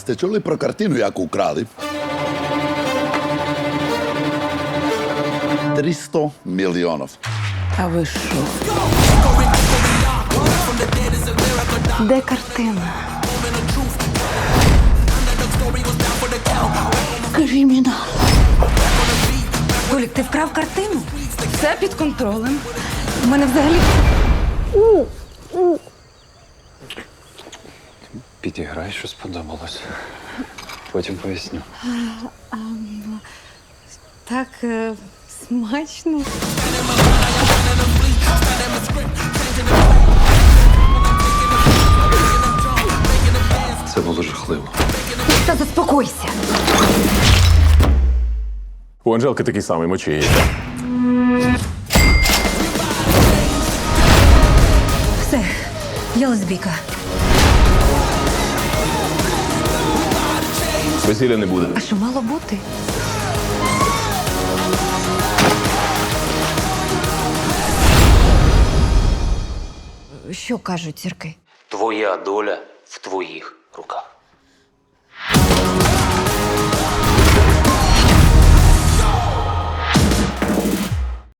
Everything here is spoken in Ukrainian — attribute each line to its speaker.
Speaker 1: сте чули про картину, яку украли? 300 мільйонів.
Speaker 2: А ви що? Де картина? Кримінал.
Speaker 3: Толік, ти вкрав картину?
Speaker 2: Все під контролем.
Speaker 3: У мене взагалі.
Speaker 4: Підіграй, що сподобалось. Потім поясню.
Speaker 3: Так смачно.
Speaker 4: Це було жахливо.
Speaker 3: Та заспокойся.
Speaker 5: У Анжелки такий самий мочі.
Speaker 3: Все, я лесбійка.
Speaker 5: Весілля не буде.
Speaker 3: А що мало бути? Що кажуть зірки?
Speaker 6: Твоя доля в твоїх руках.